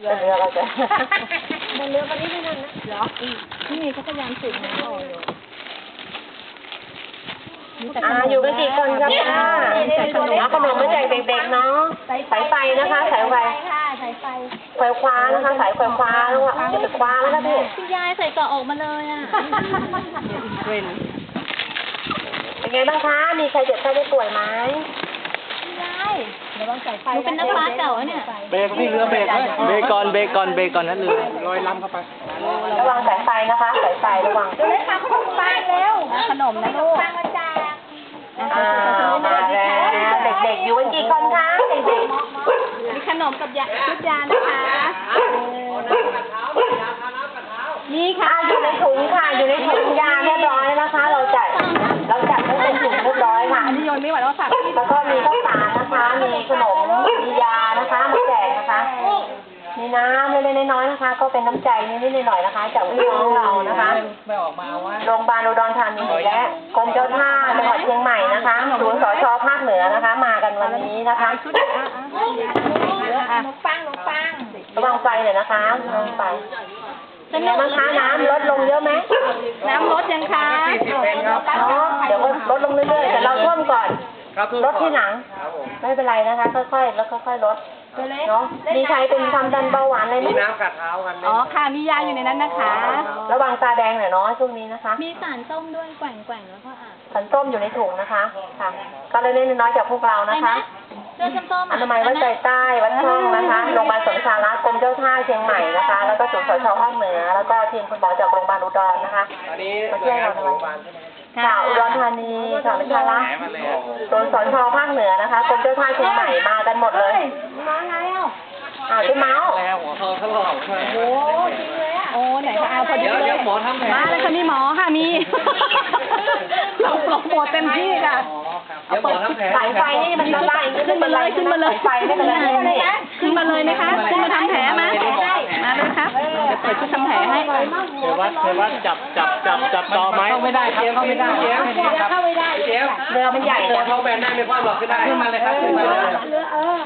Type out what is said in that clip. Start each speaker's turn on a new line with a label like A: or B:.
A: เป็นเรือเราจะ
B: บนเรือวันนี้ไม่นั่นนะเหรอนี่เขาพยายามสูบน้ำออกอยู่
A: อยู่กันกี่คนครับเอาขนมมาแจกเด็กๆเนาะสายไฟนะคะสายไฟ
B: สายไฟ
A: ไฟคว้านะคะสายไฟคว้าแล้วอ่ะจะคว้าแล้วนะพี่
B: พี่ยายใส่เกาะออกมาเลยอ่ะ
A: เป็นไงบ้างคะมีใครเจ็บไข้ได้ป่วยไหม
B: พี่ยายเดี๋ยวลองใส่ไฟหนูเป็นนักบาสเก่าเนี่ย
C: เบรกพี่เรือเบรกเลยเบรกก่อนเบรกก่อนเบรกก่อนนั่นเรือลอยลำเข้าไป
A: ระวังสายไฟนะคะสายไฟระวัง
B: เดี๋ยวเลยค่ะขนมปังเร็วขนมนะลูกมาแจก
A: มาแล้วเด็กๆอยู่กันกี่คนคะเด็ก
B: มีขนมกับชุดยานะคะนี่ค่ะ
A: อยู่ในถุงค่ะอยู่ในถุงยาเรียบร้อยนะคะ เราจัดให้เป็นถุงเรียบร้อยค่ะ
B: อันนี้โยนไม่ไหวแล้วฝากพี่
A: แล้วก็มีข้าวสารนะคะมีขนมมียานะคะมาแจกนะคะมีน้ำเล็กๆน้อยๆนะคะ ก็เป็นน้ำใจนิดๆหน่อยๆนะคะจากพี่น้องเรานะคะ
C: ไม่ออกมาว่า
A: โรงพยาบาลอุดรธานีและกรมเจ้าท่าจังหวัดเชียงใหม่นะคะศูนย์สช.ภาคเหนือนะคะ มากันวันนี้นะคะ
B: ขนมปัง
A: ระวังไฟหน่อยนะคะระวังไฟเป็นไงบ้างคะน้ำลดลงเยอะไหม
B: น้ำลดยังคะ
A: เดี๋ยวก็ลดลงเรื่อยๆแต่เราท่วมก่อน
C: ครับ
A: ลดที่หลังไม่เป็นไรนะคะค่อยๆแล้วค่อยๆลดเนาะมีใครเป็นความดันเบาหวานอะไรไหม
C: มีน้ำกัดเท้ากัน
B: อ๋อค่ะมียาอยู่ในนั้นนะคะ
A: ระวังตาแดงหน่อยเนาะช่วงนี้นะคะ
B: มีสารส้มด้วยแกว่งแล้วก็
A: สันส้มอยู่ในถุงนะคะค่ะก็เล็กๆน้อยๆจากพวกเรานะคะ
B: เสื้อส้ม
A: อนามัยวัดใจใต้วัดช่องนะคะโรงพยาบาลสมสาระกรมเจ้าท่าเชียงใหม่นะคะ แล้วก็ศูนย์สช.ภาคเหนือแล้วก็ทีมคุณหมอจากโรงพยาบาลอุดรนะคะ
C: อันนี้
A: มาช่วยเราด้วยค่ะอุดรธานีค่ะไม่ใช่ละศูนย์สช.ภาคเหนือนะคะกรมเจ้าท่าเชียงใหม่มากันหมดเลย
B: มาไงอ่ะ
A: พี่เมาส์
C: แล้วหัวเขาถลอก
B: โอ้จริงเลยอ่ะโอ้ไหนคะเอาพอดี
C: เดี๋ยวหมอทำแผล
B: มาเลยค่ะมีหมอค่ะมีเราโปรโมทเต็มที่ค่ะ
C: เดี๋ยวหมอทำแผล
A: สายไฟนี่มันละลาย
B: ขึ้นมาเลยขึ้นมาเลย
A: สายไฟไม่เป็นไรนี่
B: ขึ้นมาเลยไหมคะขึ้นมาทำแผลมามาเลยครับเดี๋ยวเปิดชุดทำแผลให้
C: เทวัดจับต่อไหมเข้าไม่ได้ครับเข้าไม่ได้เจ๊เข้าไม่ได้เจ๊
A: เรือมันใหญ่
C: ตัว
A: นะ
C: ท้องแบนได้ไม่คว่ำหรอกขึ้นได้ขึ้นมาเลยครับขึ้นมาเลย